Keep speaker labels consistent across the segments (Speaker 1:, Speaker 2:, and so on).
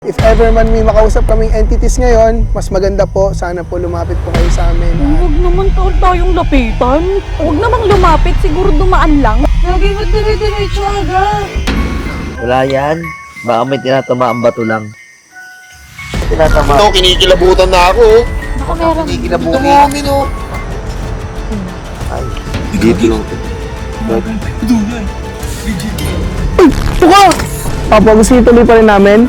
Speaker 1: If ever man may makausap kaming entities ngayon, mas maganda po, sana po lumapit po kayo sa amin.
Speaker 2: Huwag naman tayong lapitan. Huwag namang lumapit, siguro dumaan lang. Lagi mo dire-diretso agad.
Speaker 3: Wala yan. Baka may tinatamaan bato lang. Tinatama.
Speaker 4: Ito, kinikilabutan na ako.
Speaker 2: Baka meron.
Speaker 3: Kinikilabuhin.
Speaker 4: Tumangin o.
Speaker 3: Ay, dito lang.
Speaker 1: Tuka! Papa, gusto ituloy pa rin namin?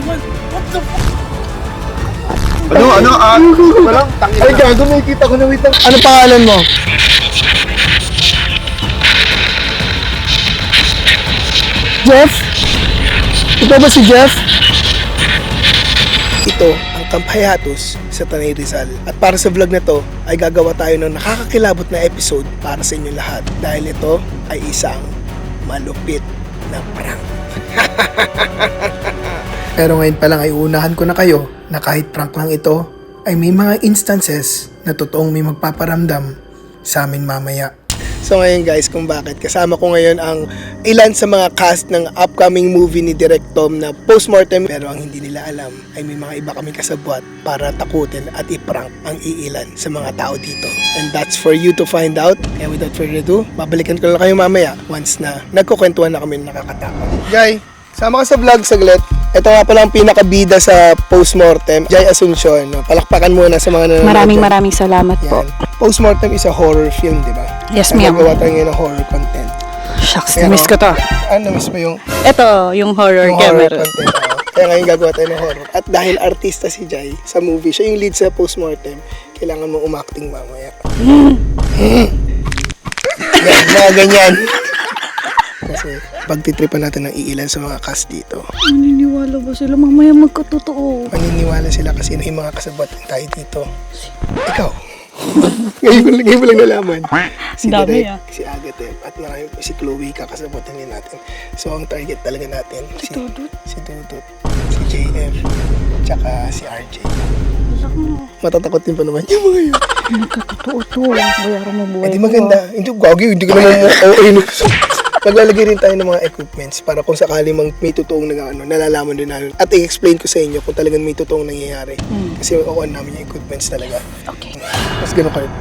Speaker 4: Walang tangin. Ay, gago, may kita ko na wait lang.
Speaker 1: Ano pangalan mo? Jeff? Ito ba si Jeff? Ito ang Kampayatus sa Tanay Rizal. At para sa vlog na to, ay gagawa tayo ng nakakakilabot na episode para sa inyo lahat. Dahil ito ay isang malupit na prank. Pero ngayon pa lang ay uunahan ko na kayo na kahit prank lang ito, ay may mga instances na totoong may magpaparamdam sa amin mamaya. So ngayon guys, kung bakit kasama ko ngayon ang ilan sa mga cast ng upcoming movie ni Direk Tom na Postmortem, pero ang hindi nila alam ay may mga iba kaming kasabwat para takutin at i-prank ang iilan sa mga tao dito. And that's for you to find out. Kaya without further ado, babalikan ko lang kayo mamaya once na nagkukwentuhan na kami ng nakakatakot. Jai, sama ka sa vlog saglit. Ito nga pala ang pinakabida sa Postmortem, Jai Asuncion. No? Palakpakan muna sa mga nanonood.
Speaker 2: Maraming salamat po.
Speaker 1: Yan. Postmortem is a horror film, di ba?
Speaker 2: Yes,
Speaker 1: Kaya
Speaker 2: ma'am.
Speaker 1: nagawa tayo ngayon ng horror content.
Speaker 2: Shucks,
Speaker 1: Pero,
Speaker 2: na-miss ko to.
Speaker 1: Na-miss mo yung
Speaker 2: Ito, yung horror
Speaker 1: horror
Speaker 2: camera.
Speaker 1: content. Kaya ngayon gagawa tayo ng horror. At dahil artista si Jai sa movie, siya yung lead sa Postmortem, kailangan mo umacting mamaya. Yan, mga ganyan. Kasi pagtitripan natin ng iilan sa mga cast dito.
Speaker 2: Maniniwala ba sila? Mamaya magkatotoo.
Speaker 1: Maniniwala sila kasi may mga kasabot tayo dito. Ikaw. ngayon mo lang nalaman. Si
Speaker 2: Dami,
Speaker 1: Direk, si Agatep, at marami po si Chloe, kakasabotin din natin. So ang target talaga natin, si Dudut, si JM, tsaka si RJ. Matatakot din pa naman yung mga yun.
Speaker 2: Magkatotoo to. Bayaran mo buhay
Speaker 1: Hindi maganda. Hindi gagi, hindi ka naman Maglalagay rin tayo ng mga equipments para kung sakali may totoong nalalaman din namin. At i-explain ko sa inyo kung talagang may totoong nangyayari. Kasi on namin yung equipments talaga.
Speaker 2: Okay.
Speaker 1: Mas ganun kayo.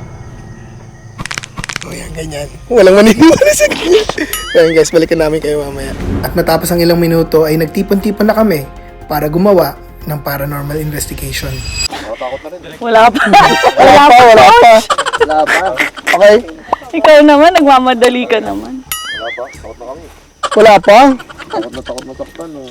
Speaker 1: O yan, ganyan. Walang maniniwala sa ganyan. Kaya guys, balikan namin kayo mamaya. At matapos ang ilang minuto ay nagtipon-tipon na kami para gumawa ng paranormal investigation.
Speaker 2: Wala pa.
Speaker 1: Wala pa.
Speaker 3: Wala ba?
Speaker 1: Okay?
Speaker 2: Ikaw naman, nagmamadali ka naman.
Speaker 4: Wala pa, takot na kami.
Speaker 1: Wala pa?
Speaker 4: Takot na takpan o.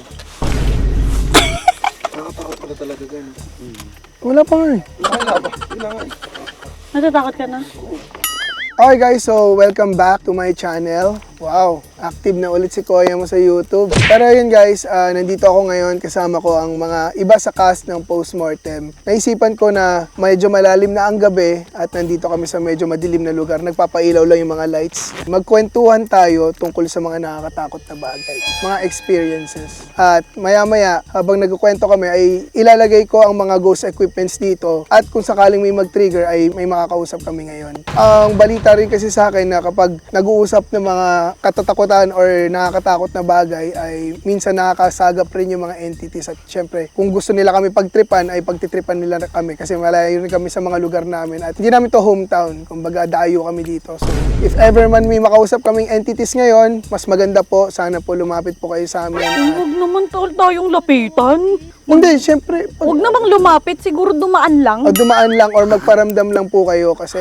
Speaker 4: Nakatakot pala talaga gan.
Speaker 1: Wala pa nga eh.
Speaker 4: Wala ba? Wala nga eh.
Speaker 2: Natatakot ka na?
Speaker 1: Okay guys, so welcome back to my channel. Wow, active na ulit si Kuya mo sa YouTube. Pero yun guys, nandito ako ngayon, kasama ko ang mga iba sa cast ng Postmortem. Naisipan ko na medyo malalim na ang gabi at nandito kami sa medyo madilim na lugar. Nagpapailaw lang yung mga lights. Magkwentuhan tayo tungkol sa mga nakakatakot na bagay, mga experiences. At maya-maya, habang nagkukwento kami, ay ilalagay ko ang mga ghost equipments dito. At kung sakaling may mag-trigger, ay may makakausap kami ngayon. Ang balita rin kasi sa akin na kapag nag-uusap ng mga katatakutan or nakakatakot na bagay ay minsan nakakasagap rin yung mga entities at syempre kung gusto nila kami pagtripan ay pagtitripan nila kami kasi malayo rin kami sa mga lugar namin at hindi namin to hometown, kumbaga dayo kami dito. So if ever man may makausap kaming entities ngayon, mas maganda po, sana po lumapit po kayo sa amin.
Speaker 2: Huwag naman tayong lapitan.
Speaker 1: Hindi, syempre
Speaker 2: Huwag namang lumapit, siguro dumaan lang.
Speaker 1: o dumaan lang or magparamdam lang po kayo kasi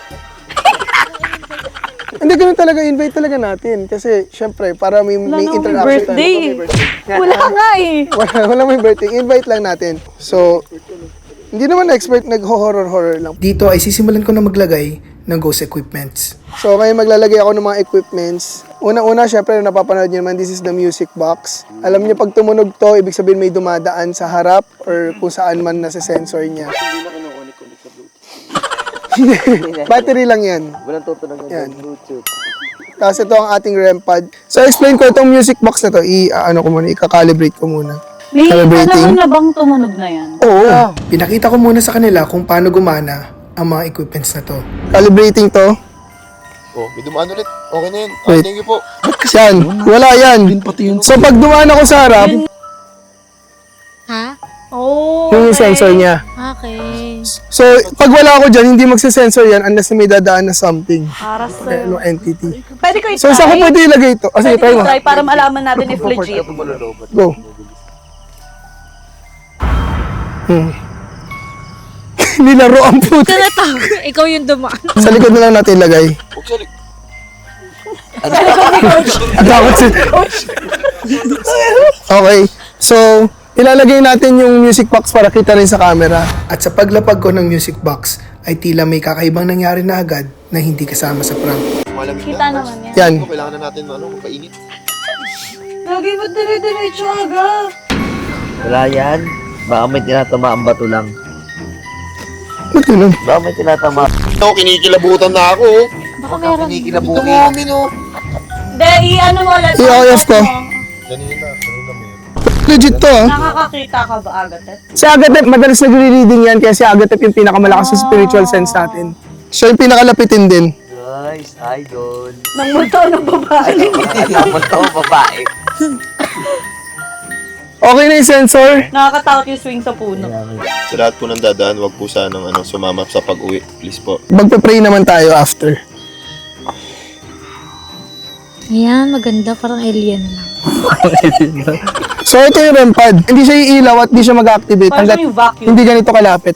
Speaker 1: hindi, ganun talaga, invite talaga natin. Kasi, syempre, para may
Speaker 2: Wala na akong
Speaker 1: interaction
Speaker 2: birthday. Wala nga eh.
Speaker 1: Wala may birthday. Invite lang natin. So, hindi naman expert, nag-horror lang. Dito ay sisimulan ko na maglagay ng ghost equipments. So, ngayon maglalagay ako ng mga equipments. Una-una, syempre, napapanood nyo naman, this is the music box. Alam niyo, pag tumunog to, ibig sabihin may dumadaan sa harap or kung saan man nasa sensor niya.
Speaker 4: Hindi na kinukunik-kunik sa Bluetooth.
Speaker 1: Battery lang yan.
Speaker 3: Walang tutunog
Speaker 1: Yan.
Speaker 3: ng Bluetooth.
Speaker 1: Tapos ito ang ating REM pad. So, explain ko itong music box na to. I-calibrate ko muna.
Speaker 2: May
Speaker 1: Calibrating.
Speaker 2: panahon na bang tumunog na yan?
Speaker 1: Oo. Pinakita ko muna sa kanila kung paano gumana ang mga equipments na to. Calibrating to.
Speaker 4: Oh, may dumaan ulit. Okay na yun.
Speaker 1: Wait.
Speaker 4: Thank you po.
Speaker 1: Ba't kasi yan? Wala yan. So, pag dumaan ako sa harap,
Speaker 5: Ha?
Speaker 2: Oh,
Speaker 1: Yun yung sensor niya.
Speaker 2: Okay.
Speaker 1: So, pag wala ako dyan, hindi magsisensor yan unless may dadaan na something.
Speaker 2: Para
Speaker 1: Okay,
Speaker 2: sa'yo.
Speaker 1: no entity.
Speaker 2: Pwede ko i-try?
Speaker 1: So, saan ko pwede ilagay ito? Sige,
Speaker 2: Pwede
Speaker 1: try
Speaker 2: ko
Speaker 1: mo.
Speaker 2: i-try para malaman natin if legit.
Speaker 1: Go. Nilaro ang puto.
Speaker 2: Tinatawag, ikaw yung dumaan.
Speaker 1: Sa likod na lang natin ilagay.
Speaker 4: Huwag sa likod.
Speaker 1: Ang takot si... Okay. So, ilalagay natin yung music box para kita rin sa camera. At sa paglapag ko ng music box, ay tila may kakaibang nangyari na agad na hindi kasama sa prank.
Speaker 4: Malamig
Speaker 2: Kita
Speaker 4: na.
Speaker 2: naman yan.
Speaker 1: Yan.
Speaker 4: Kailangan na natin magpainit.
Speaker 2: Lagi mo dire-diretso aga.
Speaker 3: Wala yan. Baka may tinatamaan bato lang.
Speaker 1: Ba't yun?
Speaker 3: Baka may tinatamaan.
Speaker 4: Ito, kinikilabutan na ako.
Speaker 2: Baka meron.
Speaker 3: Kinikilabuti.
Speaker 4: Tumumin oh.
Speaker 2: Hindi, i-ano mo ulit.
Speaker 1: I-off ko.
Speaker 4: Kanina meron.
Speaker 1: Legit to ah.
Speaker 2: Nakakakita ka ba agad?
Speaker 1: Si Agatep, madalas nagre-reading yan kaya si Agatep yung pinakamalakas sa spiritual sense natin. Siya yung pinakalapitin din.
Speaker 3: Guys, idol.
Speaker 2: Nang multo ng babae.
Speaker 3: Alam mo ito, babae.
Speaker 1: Okay na yung sensor.
Speaker 2: Nakakatakot yung swing sa puno.
Speaker 4: Sa lahat po ng dadaan, wag po sanang sumama sa pag-uwi. Please po.
Speaker 1: Magpe-pray naman tayo after.
Speaker 5: Ayan, maganda. Parang alien lang.
Speaker 1: So ito yung REM pad. Hindi siya iilaw at hindi siya mag-activate
Speaker 2: Parang
Speaker 1: hanggat
Speaker 2: yung vacuum.
Speaker 1: hindi ganito kalapit.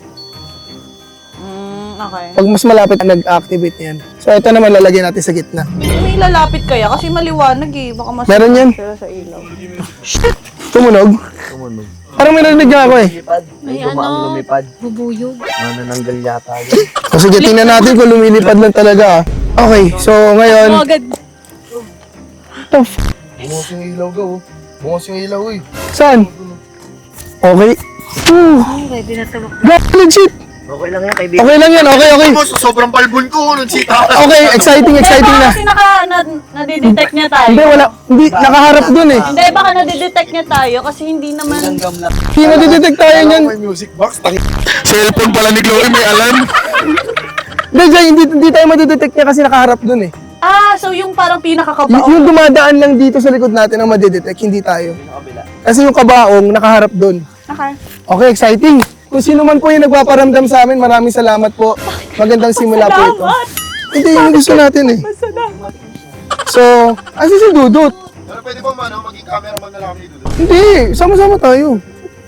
Speaker 2: Okay.
Speaker 1: Pag mas malapit, nag-activate yan. So ito naman lalagyan natin sa gitna.
Speaker 2: May ilalapit kaya kasi maliwanag eh. Baka mas
Speaker 1: Meron yan.
Speaker 2: sila sa ilaw.
Speaker 1: Tumunog.
Speaker 3: Tumunog.
Speaker 1: Parang may narinig nga ako eh.
Speaker 3: Lumipad. May dumaang lumipad.
Speaker 5: Bubuyog.
Speaker 3: Manananggal yata yun.
Speaker 1: O sige, tingnan natin kung lumilipad lang talaga ah. Okay, so ngayon,
Speaker 5: Oh, agad.
Speaker 1: the f-
Speaker 4: Bungos yung ilaw daw. Bungos yung ilaw eh.
Speaker 1: saan? Okay.
Speaker 5: Ready na tabak.
Speaker 1: Legit!
Speaker 3: Okay lang yan, kaibigan.
Speaker 1: Okay lang yan, okay.
Speaker 4: Bungos, sobrang palbon ko. Nagsita.
Speaker 1: Okay, exciting na.
Speaker 2: Kasi nadidetect niya tayo.
Speaker 1: Hindi, wala. Hindi, nakaharap dun eh.
Speaker 2: Hindi, baka nadidetect niya tayo kasi hindi naman...
Speaker 1: Hindi nadidetect tayo niyan.
Speaker 4: May music box. Cellphone pala ni Chloe, may alarm.
Speaker 1: Hindi, Jay, hindi tayo madidetect niya kasi nakaharap dun eh.
Speaker 2: So yung parang pinakakabaong.
Speaker 1: Yung dumadaan lang dito sa likod natin ang madidetect, hindi tayo. Kasi yung kabaong nakaharap dun.
Speaker 2: Okay.
Speaker 1: Okay, exciting. Kung sino man po yung nagpaparamdam sa amin, maraming salamat po. Magandang simula po ito.
Speaker 2: Salamat!
Speaker 1: Hindi, yung gusto natin eh.
Speaker 2: Salamat.
Speaker 1: So, asin si Dudut?
Speaker 4: Pero pwede ba maging cameraman na lang kami dito?
Speaker 1: Hindi, sama-sama tayo.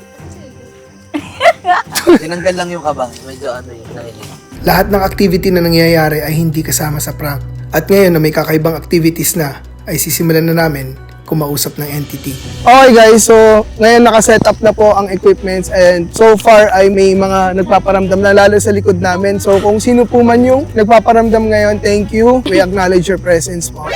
Speaker 3: Tinanggal lang yung kaba. Medyo ano yun.
Speaker 1: Lahat ng activity na nangyayari ay hindi kasama sa prank. At ngayon na may kakaibang activities na, ay sisimulan na namin kumausap ng entity. Okay guys, so ngayon naka-set up na po ang equipments and so far ay may mga nagpaparamdam na lalo sa likod namin. So kung sino po man yung nagpaparamdam ngayon, thank you. We acknowledge your presence po.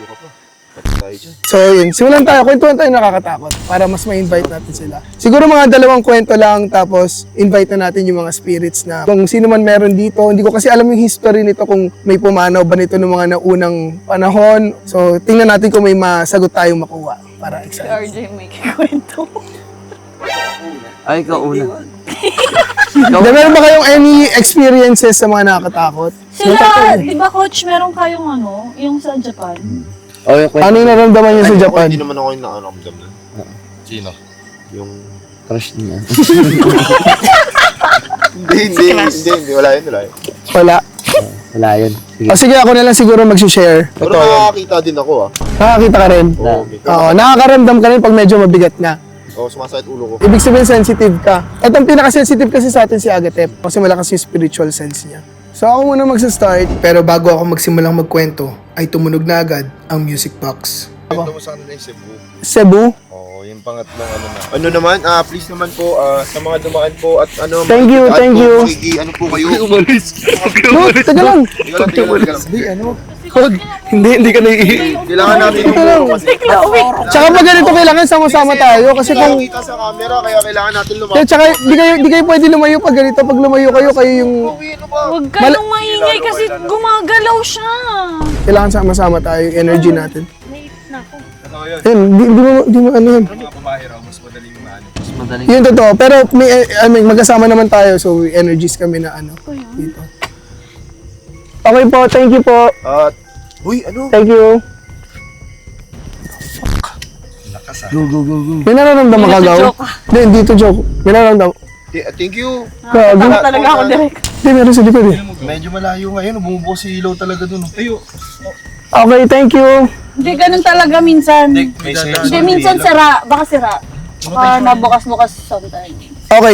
Speaker 1: So yun, simulan tayo. Kwentuhan tayo nakakatakot para mas ma-invite natin sila. Siguro mga 2 kwento lang tapos invite na natin yung mga spirits na kung sino man meron dito. Hindi ko kasi alam yung history nito kung may pumanaw ba nito ng mga naunang panahon. So tingnan natin kung may masagot tayong makuha para
Speaker 2: Si
Speaker 1: excited.
Speaker 2: RJ may kikwento.
Speaker 3: Ay, ikaw una.
Speaker 1: Then, meron ba kayong any experiences sa mga nakakatakot?
Speaker 2: Sila, di ba coach, meron kayong yung sa Japan?
Speaker 3: Oh, yung kwento.
Speaker 1: Ano yung naramdaman niyo sa Japan?
Speaker 4: Hindi naman ako yung nakaramdam na. Sino? Yung...
Speaker 3: Crush niya.
Speaker 4: Hindi. Wala yun.
Speaker 1: Wala.
Speaker 3: Wala yun. Sige.
Speaker 1: O sige, ako na lang siguro mag-share.
Speaker 4: Pero nakakakita din ako
Speaker 1: Nakakita ka rin?
Speaker 4: Oo.
Speaker 1: Oo, nakakaramdam ka rin pag medyo mabigat na.
Speaker 4: Oo, sumasakit ulo ko.
Speaker 1: Ibig sabihin sensitive ka. At ang pinaka-sensitive kasi sa atin si Agatep kasi malakas yung spiritual sense niya. So ako muna magsa-start, pero bago ako magsimulang magkwento, ay tumunog na agad ang music box.
Speaker 4: Kwento mo sa kanila yung Cebu.
Speaker 1: Cebu?
Speaker 4: Oo, yung pangatlong na. Ano naman, please naman po, sa mga dumaan po at
Speaker 1: Thank you,
Speaker 4: makikitaan
Speaker 1: thank
Speaker 4: po,
Speaker 1: you.
Speaker 4: Ano po kayo? Umalis.
Speaker 1: No, teka lang.
Speaker 4: Teka lang.
Speaker 1: Hindi, ano? Huwag. Hindi ka naiihi.
Speaker 4: Kailangan natin yung
Speaker 1: lang.
Speaker 4: kasi.
Speaker 1: Tsaka pag ganito kailangan sama-sama tayo kasi kung...
Speaker 4: Kita sa camera, kaya kailangan natin
Speaker 1: Kaya
Speaker 4: lumapit.
Speaker 1: tsaka di kayo pwede lumayo pag ganito. Pag lumayo kayo yung...
Speaker 4: Uwi, ano ba?
Speaker 2: Huwag kayong maingay kasi gumagalaw siya.
Speaker 1: Kailangan sama-sama tayo yung energy natin.
Speaker 5: Naisip na ako.
Speaker 1: Yun, di mo ano yun.
Speaker 3: Mas madaling.
Speaker 1: Yun totoo. Pero may, magkasama naman tayo so energies kami na ano dito. Okay po, thank you po.
Speaker 4: Uy, ano?
Speaker 1: Thank you. May nararamdaman ka, Gaw?
Speaker 2: Joke.
Speaker 1: Hindi, dito joke. May nararamdaman.
Speaker 4: Thank you.
Speaker 1: Gago.
Speaker 2: Tama talaga ako direct.
Speaker 1: Hindi, meron sa likod eh.
Speaker 4: Medyo malayo ngayon. Bumubuo si ilaw talaga dun. Ayo.
Speaker 1: Okay, thank you.
Speaker 2: Hindi, ganun talaga minsan.
Speaker 4: May sense.
Speaker 2: Hindi, minsan sira. Baka sira. Baka nabukas-bukas sometimes.
Speaker 1: Okay.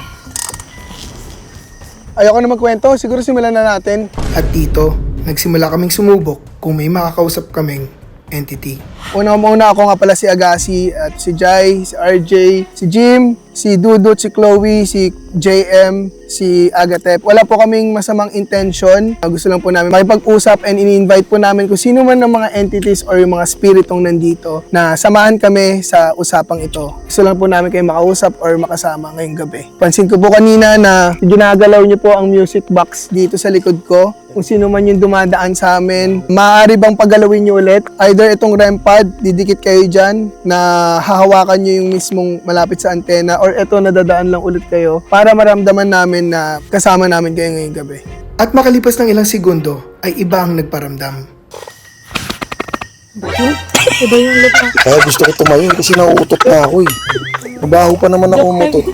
Speaker 1: Ayoko na magkwento, siguro simulan na natin. At dito, nagsimula kaming sumubok kung may makakausap kaming entity. Una ako nga pala si Agassi at si Jai, si RJ, si Jim, si Dudut, si Chloe, si JM, si Agatep. Wala po kaming masamang intention. Gusto lang po namin makipag-usap and ini-invite po namin kung sino man ng mga entities or yung mga spiritong nandito na samahan kami sa usapang ito. Gusto lang po namin kayo makausap or makasama ngayong gabi. Pansin ko po kanina na ginagalaw niyo po ang music box dito sa likod ko. Kung sino man yung dumadaan sa amin, maaari bang paggalawin niyo ulit? Either itong REM pad, didikit kayo dyan, na hahawakan niyo yung mismong malapit sa antena, or ito nadadaan lang ulit kayo para maramdaman namin na kasama namin kayo ngayong gabi. At makalipas ng ilang segundo, ay iba ang nagparamdam.
Speaker 5: Iba yung ulit na.
Speaker 6: Kaya gusto ko tumayo kasi nauutot na ako eh. Mabaho pa naman ako umutot.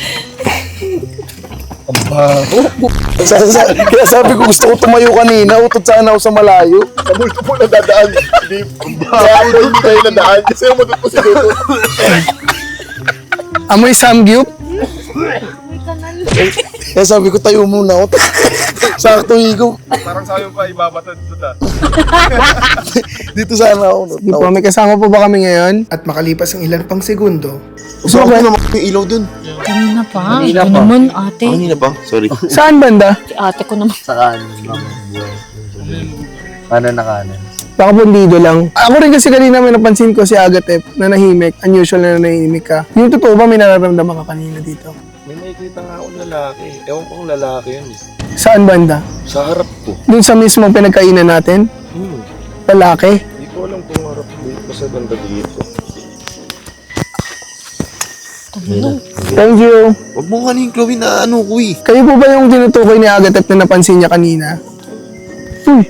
Speaker 6: Kaya sabi ko gusto ko tumayo kanina, utot sana ako sa malayo.
Speaker 4: Sa multo po nadadaan. Hindi. Hindi tayo nadaan. Kasi umutot po si Dodo.
Speaker 1: Amoy samgyup?
Speaker 6: Kaya sabi ko tayo muna ako. Sakto higo.
Speaker 4: Parang sayong pa ibabatad doon.
Speaker 6: Dito sana ako.
Speaker 1: Di po, may kasama po ba kami ngayon? At makalipas ang ilan pang segundo,
Speaker 6: Gusto ko naman yung ilaw dun.
Speaker 5: Kanina pa.
Speaker 3: Kanina
Speaker 5: Ito
Speaker 3: pa.
Speaker 5: naman, ate.
Speaker 6: Kanina pa? Sorry.
Speaker 1: saan banda?
Speaker 5: Si ate ko naman.
Speaker 3: Sa kanan lang. Kanan na kanan.
Speaker 1: Baka pundido lang. Ako rin kasi kanina may napansin ko si Agatep na nahimik. Unusual na nahimik ka. Yung totoo ba may nararamdaman ka kanina dito?
Speaker 4: May makikita nga akong lalaki. Ewan ko kung lalaki yun.
Speaker 1: Saan banda?
Speaker 4: Sa harap ko.
Speaker 1: Doon sa mismong pinagkainan natin? Lalaki?
Speaker 4: Hindi ko alam kung harap dito. Basta banda dito.
Speaker 1: Thank you.
Speaker 6: Huwag mo kanin, Chloe, na ano ko eh.
Speaker 1: Kayo po ba yung tinutukoy ni Agatep na napansin niya kanina? Uy!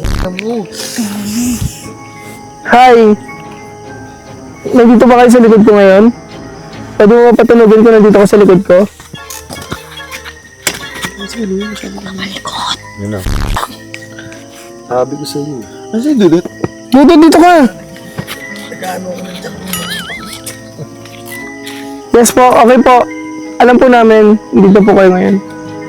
Speaker 1: Hi! Nandito ba kayo sa likod ko ngayon? Pwede mo patunogin ko nandito ka sa likod ko?
Speaker 6: Yun na. Sabi ko sa'yo. Ano sa'yo, Dudut?
Speaker 1: Dito ka! Yes po, okay po. Alam po namin, dito po kayo ngayon.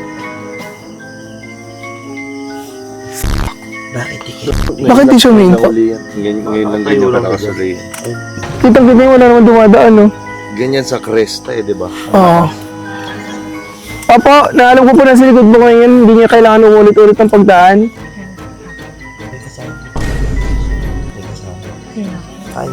Speaker 1: Bakit di siya minto?
Speaker 4: Ngayon lang ganyan ka nakasali.
Speaker 1: Kitang-kita yung wala naman dumadaan, no?
Speaker 4: Ganyan sa cresta di ba?
Speaker 1: Oo. Opo, naalam ko po na sa likod mo ngayon, hindi niya kailangan umulit-ulit ng pagdaan.
Speaker 6: Ay.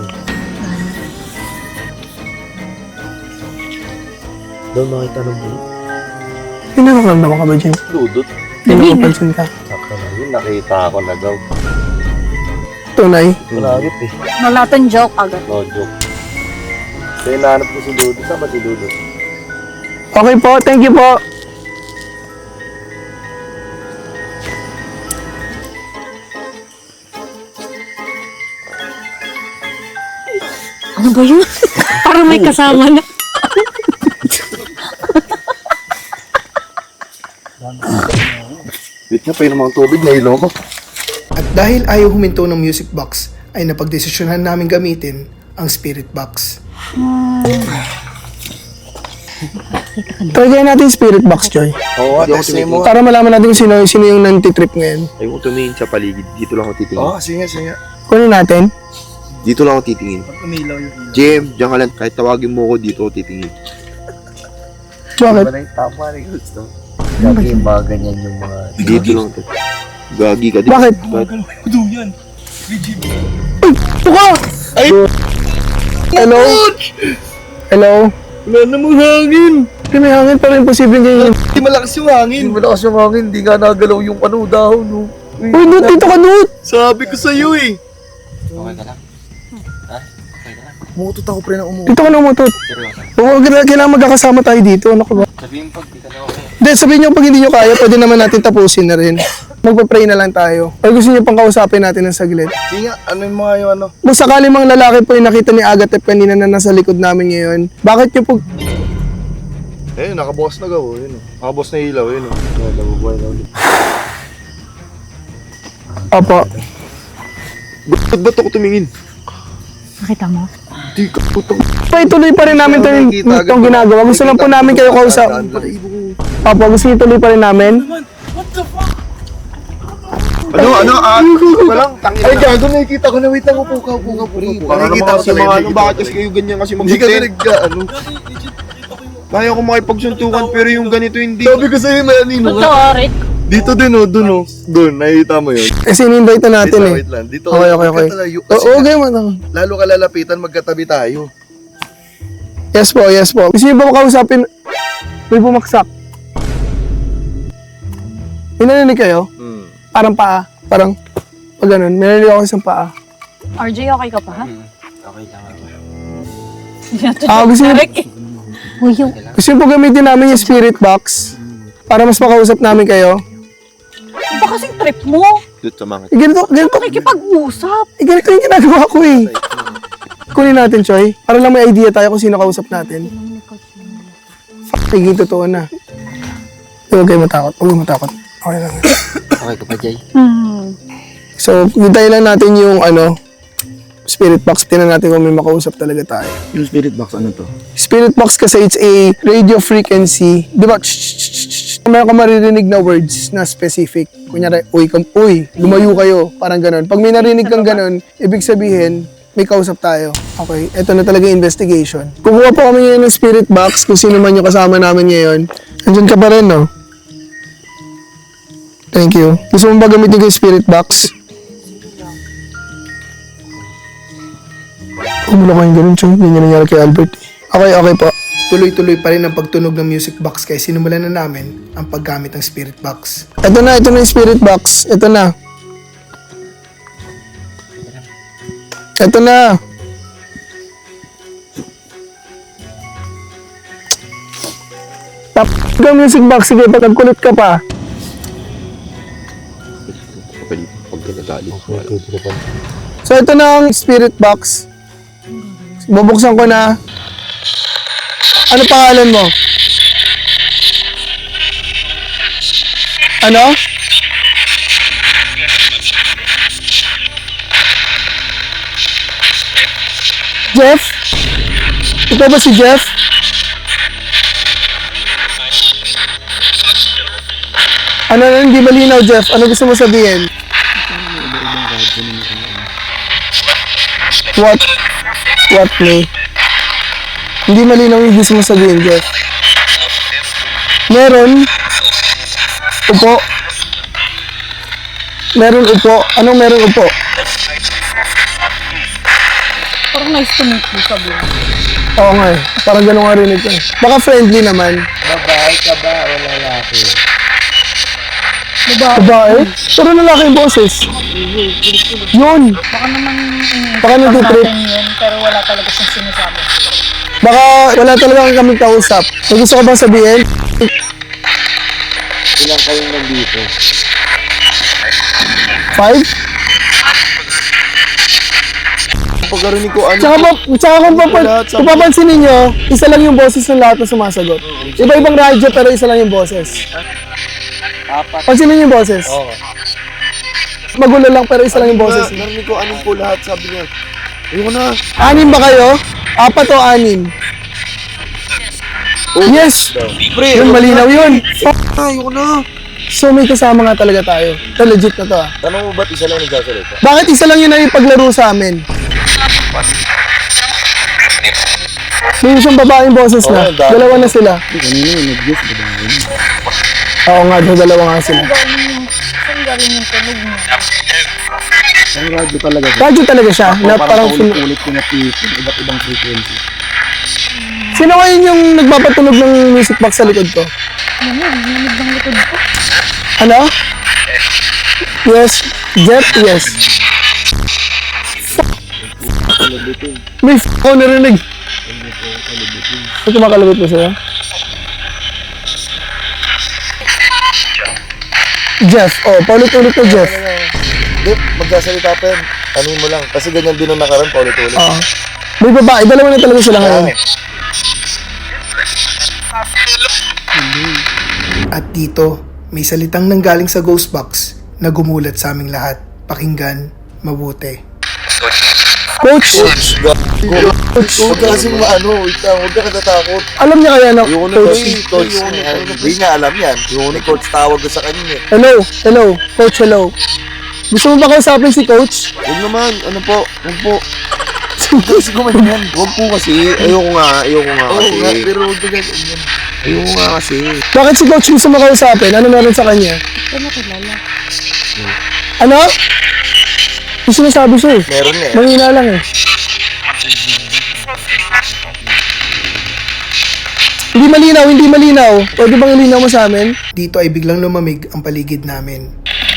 Speaker 6: Doon makita ng bulo.
Speaker 1: May nararamdaman ka ba dyan?
Speaker 4: Dudot.
Speaker 1: May napapansin ka?
Speaker 4: Sakto na yun. Nakita ako na daw.
Speaker 1: Tunay?
Speaker 6: Malagit eh.
Speaker 2: Nalatan joke agad.
Speaker 4: No joke. Kaya nahanap ko si Dudot. Saan ba si Dudot?
Speaker 1: Okay po, thank you po.
Speaker 5: Ano ba yun? Parang may kasama na.
Speaker 6: Wait nga, painom ang tubig na ilo ko.
Speaker 1: At dahil ayaw huminto ng music box, ay napagdesisyonan namin gamitin ang spirit box. Try kaya natin yung spirit box, Joy.
Speaker 6: Oo, testing mo.
Speaker 1: Para malaman natin kung sino yung nantitrip ngayon.
Speaker 6: Ayaw ko tumingin sa paligid. Dito lang ako titingin.
Speaker 4: Oo, sige, sige.
Speaker 1: Kunin natin.
Speaker 6: Dito lang ako titingin. Jim, diyan ka lang. Kahit tawagin mo ako, dito ako titingin.
Speaker 1: Bakit?
Speaker 3: Tama rin gusto. Gagi yung mga ganyan yung mga...
Speaker 6: Dito lang ako. Gagi ka.
Speaker 1: Bakit? Tuka!
Speaker 6: Ay!
Speaker 1: Hello? Hello?
Speaker 6: Wala namang hangin.
Speaker 1: Hindi may hangin pero imposible ganyan.
Speaker 6: Hindi malakas yung hangin. Hindi malakas yung hangin. Hindi nga nagalaw yung dahon. No.
Speaker 1: Uy, Dut, dito ka, Dut!
Speaker 6: Sabi ko sa'yo eh. Okay ka lang? Ha? Okay ka lang? Umutot ako pre na umutot.
Speaker 1: Dito ka na umutot. Oo, kailangan magkakasama tayo dito. Ano ka ba?
Speaker 6: Sabihin pag di ka na okay.
Speaker 1: Hindi, sabihin nyo pag hindi nyo kaya, pwede naman natin tapusin na rin. magpa-pray na lang tayo. Or gusto niyo pang kausapin natin ng saglit?
Speaker 6: Sige nga, ano yung mga yung ano?
Speaker 1: Kung sakali mang lalaki po yung nakita ni Agatep kanina na nasa likod namin ngayon, bakit niyo po...
Speaker 6: Eh, nakabukas na gaw. Yun, nakabukas na ilaw. Yun, nabubuhay na ulit.
Speaker 1: Opo.
Speaker 6: Ba't ako tumingin?
Speaker 5: Nakita mo?
Speaker 6: Di ka putang.
Speaker 1: So, ituloy pa rin namin itong ginagawa. Gusto lang po namin kayo kausap. Opo, gusto niyo ituloy pa rin namin.
Speaker 6: Walang tangin. Ay, gago, nakikita ko na. Wait lang, upo ka.
Speaker 4: Para naman kasi mga ano, bakit kasi kayo ganyan kasi
Speaker 6: Hindi ka
Speaker 4: mag-content?
Speaker 6: ano.
Speaker 4: Kaya ko makipagsuntukan pero yung ganito hindi.
Speaker 6: Sabi ko sa'yo, may anino.
Speaker 5: Sorry.
Speaker 6: Dito din, oh, dun, oh. Dun, nakikita mo yun.
Speaker 1: Kasi in-invite na natin eh.
Speaker 6: Wait lang. Dito,
Speaker 1: Okay.
Speaker 6: magkatalayo. Kasi
Speaker 1: Oo, okay man.
Speaker 6: lalo ka lalapitan, magkatabi tayo.
Speaker 1: Yes po. Gusto niyo ba makausapin? May bumaksak. May narinig kayo? Parang paa. Parang, pag ganun. May narinig ako isang paa.
Speaker 2: RJ, okay ka pa ha?
Speaker 1: Gusto niyo,
Speaker 5: Uy, yung...
Speaker 1: gusto niyo po gamitin namin yung spirit box para mas makausap namin kayo?
Speaker 2: Ba kasing trip mo?
Speaker 4: Dito sa mga.
Speaker 1: Ganito
Speaker 2: Pakikipag-usap.
Speaker 1: ganito yung ginagawa ko eh. Kunin natin, Choy. Para lang may idea tayo kung sino kausap natin. Naging totoo na. Huwag kayo matakot. Okay lang.
Speaker 3: Okay ka pa, Jay?
Speaker 1: So, hintayin lang natin yung spirit box. Tingnan natin kung may makausap talaga tayo.
Speaker 6: Yung spirit box, ano to?
Speaker 1: Spirit box kasi it's a radio frequency. Di ba? Meron ka maririnig na words na specific. Kunyari, uy, lumayo kayo. Parang ganun. Pag may narinig kang ganun, ibig sabihin, may kausap tayo. Okay, ito na talaga yung investigation. Kukuha po kami ngayon ng spirit box kung sino man yung kasama namin ngayon. Andyan ka pa rin, no? Thank you. Gusto mo ba gamitin ko yung spirit box? Kumulo kayong ganun, Choy. Hindi nangyari kay Albert. Okay po. Tuloy-tuloy pa rin ang pagtunog ng music box kaya sinimulan na namin ang paggamit ng spirit box. Ito na yung spirit box. Ito na. Tap ka music box. Sige, pagkulit ka pa. So, ito na ang spirit box. Bubuksan ko na. Ano pangalan mo? Ano? Jeff? Ikaw ba si Jeff? Ano na, hindi malinaw, Jeff? Ano gusto mo sabihin? What me? Hindi malinaw yung gusto mo sabihin, Jeff. Meron upo. Anong meron upo?
Speaker 2: Parang nice to meet you, sabi mo.
Speaker 1: Oo nga eh. Parang ganun nga rinig ko eh. Baka friendly naman.
Speaker 3: Babae ka ba o lalaki?
Speaker 1: Babae? Pero lalaki yung boses. Yun.
Speaker 2: Baka naman
Speaker 1: Baka nag-trip.
Speaker 2: yun, pero wala talaga siyang sinasabi.
Speaker 1: Baka wala talaga kami kausap. May gusto ka bang sabihin?
Speaker 3: Ilang kayong nandito?
Speaker 1: 5?
Speaker 4: Pagkarinig ko ano.
Speaker 1: Tsaka kung papansin ninyo, isa lang yung boses ng lahat na sumasagot. Iba-ibang radyo pero isa lang yung boses. Pansinin niyo yung boses.
Speaker 3: Oo.
Speaker 1: Magulo lang pero isa lang yung boses.
Speaker 4: Narinig ko anong po lahat sabi niya. Ayoko na.
Speaker 1: 6 ba kayo? 4 o 6? Yes!
Speaker 4: Pre,
Speaker 1: Yun, malinaw yun.
Speaker 4: ayoko na.
Speaker 1: So may kasama nga talaga tayo. Ito legit na to ah.
Speaker 4: Tanong mo ba't isa lang nagsasalita?
Speaker 1: Bakit isa lang yun na ipaglaro sa amin? May isang babaeng boses na.
Speaker 4: Oo, dami.
Speaker 1: Dalawa na sila. Oo nga, dalawa nga sila.
Speaker 2: Saan galing yung tunog mo?
Speaker 6: Ang radyo talaga.
Speaker 1: Radyo talaga siya. Na parang
Speaker 6: ulit ko na iba't ibang frequency.
Speaker 1: Sino ngayon yung nagpapatunog ng music box sa likod ko?
Speaker 2: Nanig ng likod ko.
Speaker 1: Ano? Yes. Jeff, yes. May ako narinig. May kumakalabit mo sa'yo? Jeff. Oh, paulit-ulit na Jeff.
Speaker 6: Hindi, magsasalita pa yan. Anuin mo lang. Kasi ganyan din nung nakaraan, paulit-ulit.
Speaker 1: Oo. May babae, dalawa na talaga sila ngayon. At dito, may salitang nanggaling sa ghost box na gumulat sa aming lahat. Pakinggan, mabuti. Coach!
Speaker 6: Huwag ka kasi wait lang, huwag ka katatakot.
Speaker 1: Alam niya kaya na,
Speaker 6: Yung
Speaker 1: Coach?
Speaker 6: Coach, hindi niya alam yan. Yung Coach tawag ko sa kanya eh.
Speaker 1: Hello, Coach, hello. Gusto mo ba kausapin si Coach?
Speaker 6: Huwag naman, ano po, huwag po. Kasi kumain yan. Huwag po kasi, ayoko nga kasi. Pero huwag ka ganyan. Ayoko nga kasi.
Speaker 1: Bakit si Coach gusto mo kausapin? Ano meron sa kanya? Ano? Yung sinasabi siya eh.
Speaker 6: Meron eh.
Speaker 1: Mahina lang eh. Hindi malinaw. Pwede bang ilinaw mo sa amin? Dito ay biglang lumamig ang paligid namin.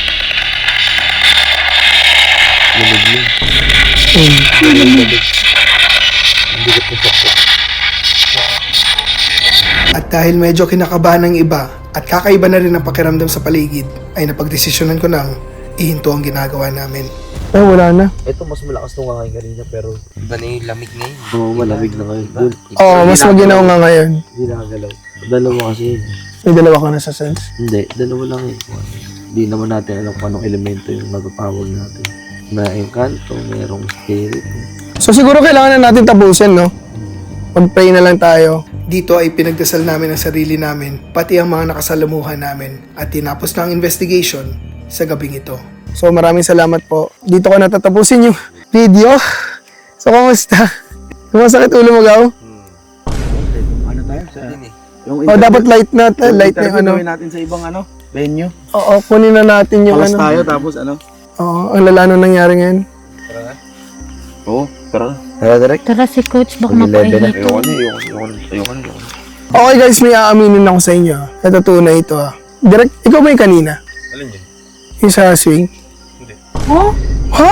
Speaker 1: At dahil medyo kinakabahan ng iba at kakaiba na rin ang pakiramdam sa paligid, ay napagdesisyonan ko nang ihinto ang ginagawa namin. Wala na.
Speaker 3: Ito mas malakas nung kakain kanina pero
Speaker 7: Iba na yung lamig ngayon.
Speaker 3: oo, malamig na ngayon. Doon,
Speaker 1: Oo, mas maginaw nga ngayon.
Speaker 3: hindi nakagalaw. Dalawa kasi yun.
Speaker 1: May dalawa ka na sa sense.
Speaker 3: Hindi, dalawa lang eh. Hindi naman natin alam kung anong elemento yung natatawag natin. May engkanto, mayroong spirit.
Speaker 1: So siguro kailangan na natin tapusin, no? Mag-pray na lang tayo. Dito ay pinagdasal namin ang sarili namin, pati ang mga nakasalamuhan namin, at tinapos na ang investigation sa gabing ito. So maraming salamat po. Dito ko natatapusin yung video. So kamusta? Masakit ulo mo, Gaw?
Speaker 8: Ano tayo sa yung
Speaker 1: O dapat light na yung ano.
Speaker 8: gawin natin sa ibang venue.
Speaker 1: Oo, kunin na natin yung
Speaker 8: Alas
Speaker 1: ano.
Speaker 8: tayo tapos
Speaker 1: Oo, ang lala nung nangyari ngayon.
Speaker 6: Oo, tara.
Speaker 3: Tara, direct.
Speaker 5: Tara si Coach, baka
Speaker 3: Mag-11 na.
Speaker 6: Ayoko na.
Speaker 1: Okay guys, may aaminin ako sa inyo. Ito tunay ito ah. Direct, ikaw ba yung kanina?
Speaker 4: Alin yun?
Speaker 1: Yung sa swing?
Speaker 2: Oh?
Speaker 1: Ha?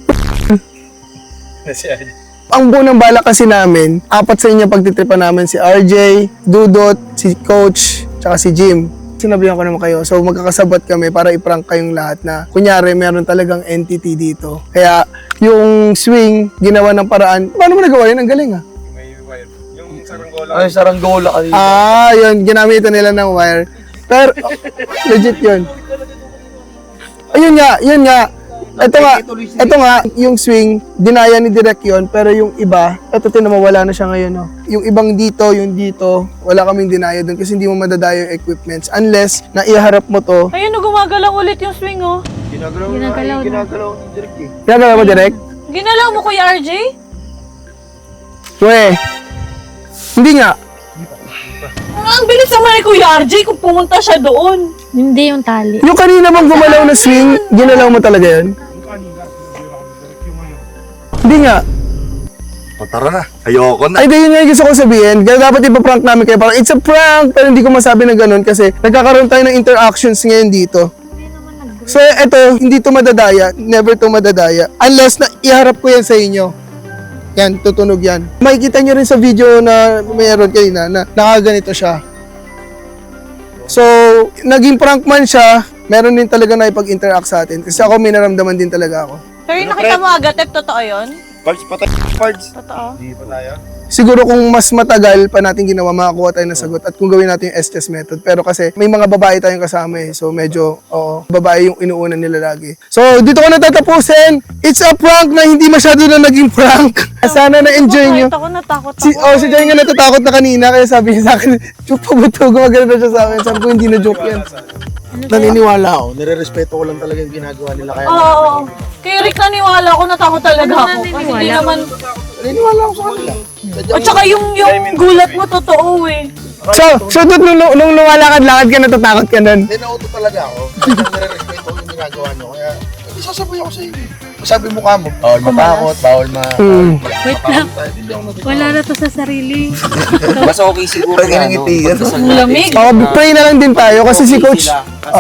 Speaker 4: Kasi ay,
Speaker 1: Ang buo ng bala kasi namin, apat sa inyo pagtitripan namin si RJ, Dudot, si Coach, tsaka si Jim. Sinabihan ko naman kayo. So magkakasabot kami para i-prank kayong lahat na kunyari meron talagang entity dito. Kaya yung swing, ginawa ng paraan. Paano mo nagawa yun? Ang galing ah.
Speaker 4: may wire. Yung saranggola.
Speaker 6: Ay, saranggola ka dito.
Speaker 1: Yun. Ginamitan nila ng wire. Pero, legit yun. Ayun nga. Ito nga, yung swing, dinaya ni Direk yun, pero yung iba, ito tinamawala na siya ngayon, no? Yung ibang dito, yung dito, wala kaming dinaya dun kasi hindi mo madadaya yung equipments unless na iharap mo to.
Speaker 2: Ayun, gumagalaw ulit yung swing, oh.
Speaker 6: Ginagalaw
Speaker 5: na.
Speaker 6: Ginagalaw ni Direk eh.
Speaker 1: Ginagawa mo, Direk?
Speaker 2: Ginalaw mo, Kuya RJ?
Speaker 1: Hindi nga.
Speaker 2: Ang bilis naman ni Kuya RJ kung pumunta siya doon.
Speaker 5: Hindi yung tali.
Speaker 1: Yung kanina bang gumalaw na swing, ginalaw mo talaga yun? Hindi nga.
Speaker 6: O, tara na. Ayoko na.
Speaker 1: Ay, yun nga yung gusto ko sabihin. Kaya dapat ipaprank namin kayo. Parang, it's a prank! Pero hindi ko masabi na ganun kasi nagkakaroon tayo ng interactions ngayon dito. So, eto, hindi to madadaya. Never to madadaya. Unless na iharap ko yan sa inyo. Yan, tutunog yan. Makikita nyo rin sa video na mayroon kanina na nakaganito siya. So, naging prank man siya, meron din talaga na ipag-interact sa atin. Kasi ako, may naramdaman din talaga ako.
Speaker 2: Pero yung nakita mo agad, totoo yun?
Speaker 4: Pards patay. Pards.
Speaker 2: Totoo.
Speaker 4: Hindi pa tayo.
Speaker 1: Siguro kung mas matagal pa natin ginawa, makakuha tayo ng sagot at kung gawin natin yung STS method. Pero kasi may mga babae tayong kasama eh. So medyo, babae yung inuuna nila lagi. So dito ko natatapusin. It's a prank na hindi masyado na naging prank. Sana na-enjoy nyo.
Speaker 2: Kahit ako natakot ako.
Speaker 1: Si Jay nga natatakot na kanina kaya sabi niya sa akin, "Joke pa ba ito?" Gumagano na siya sa akin. Sabi ko, hindi na joke yan.
Speaker 8: Naniniwala ako. Nire-respeto ko lang talaga yung ginagawa nila. Kaya
Speaker 2: Oo. Kay Rick naniwala ako, natakot talaga ako. Kasi hindi naman...
Speaker 8: naniniwala ako sa kanila.
Speaker 2: At saka yung gulat mo, totoo eh.
Speaker 1: So nung lumalakad-lakad ka, natatakot ka nun.
Speaker 8: Hindi, nauto talaga ako. Kasi nire-respeto ko yung ginagawa nyo. Kaya, hindi sasabi ako sa inyo. Sabi mo ka mo, bawal matakot, bawal
Speaker 5: Wait lang. Wala na to sa sarili.
Speaker 7: Mas okay siguro na
Speaker 6: Pag inangiti yan.
Speaker 7: pagdasal
Speaker 2: Ang
Speaker 7: natin.
Speaker 2: lamig.
Speaker 1: Pray na lang din tayo kasi si Coach...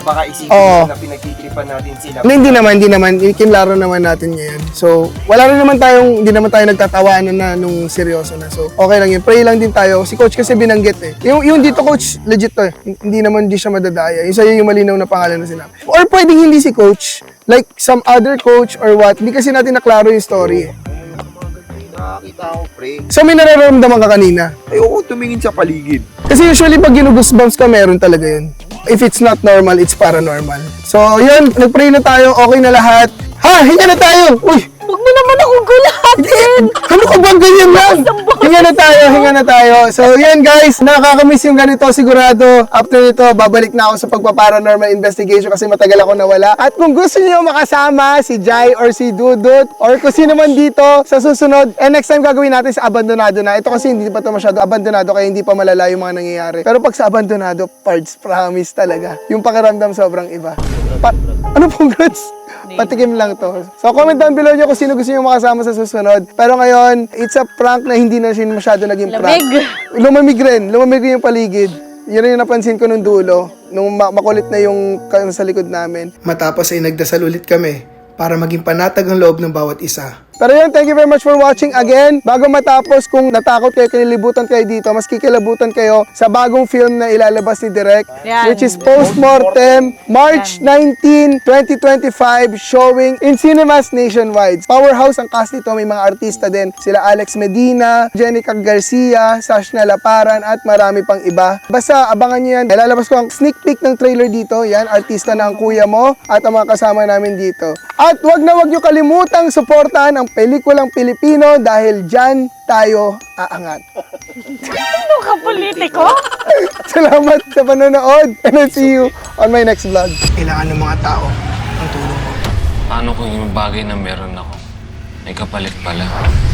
Speaker 4: baka isipin
Speaker 1: Oo.
Speaker 4: na pinagtitripan natin sila.
Speaker 1: Hindi naman. Kinlaro naman natin ngayon. So, hindi naman tayo nagtatawanan na nung seryoso na. So, okay lang yun. Pray lang din tayo. Si coach kasi binanggit eh. Yung dito coach, legit to eh. Hindi siya madadaya. Yung sa'yo yung malinaw na pangalan na sinabi. Or pwedeng hindi si coach. Like some other coach or what. Hindi kasi natin naklaro yung story eh.
Speaker 6: Nakakita ako, pre.
Speaker 1: So, may nararamdaman ka kanina.
Speaker 6: Ayoko tumingin sa paligid.
Speaker 1: Kasi usually pag ginugoosebumps ka, meron talaga yun. If it's not normal, it's paranormal. So, yun. Nagpray na tayo. Okay na lahat. Ha! Hinga na tayo! Uy!
Speaker 2: Huwag mo naman akong gulatin!
Speaker 1: Ano ka bang ganyan lang? Hinga na tayo. So, yan guys, nakakamiss yung ganito sigurado. After nito, babalik na ako sa pagpa-paranormal investigation kasi matagal ako nawala. At kung gusto niyo makasama si Jai or si Dudut or kung sino man dito sa susunod, next time gagawin natin sa abandonado na. Ito kasi hindi pa ito masyado abandonado kaya hindi pa malala yung mga nangyayari. Pero pag sa abandonado, parts, promise talaga. Yung pakiramdam sobrang iba. Ano pong grades? Patikim lang to. So, comment down below nyo kung sino gusto nyo makasama sa susunod. Pero ngayon, it's a prank na hindi na siya masyado naging prank. Lumamig rin yung paligid. Yun yung napansin ko nung dulo, nung makulit na yung sa likod namin. Matapos ay nagdasal ulit kami para maging panatag ang loob ng bawat isa. Pero yun, thank you very much for watching again. Bago matapos, kung natakot kayo, kinilibutan kayo dito, mas kikilabutan kayo sa bagong film na ilalabas ni Direk,
Speaker 2: Yan.
Speaker 1: which is Postmortem, March 19, 2025, showing in cinemas nationwide. Powerhouse ang cast nito, may mga artista din. Sila Alex Medina, Jenica Garcia, Sashna Laparan, at marami pang iba. Basta abangan nyo yan. Ilalabas ko ang sneak peek ng trailer dito. Yan, artista na ang kuya mo at ang mga kasama namin dito. At wag nyo kalimutang suportahan ang pelikulang Pilipino dahil dyan tayo aangat.
Speaker 2: Ano ka, politiko?
Speaker 1: Salamat sa panonood and I'll see you on my next vlog. Kailangan ng mga tao ang tulong mo.
Speaker 7: Paano kung yung bagay na meron ako ay kapalit pala?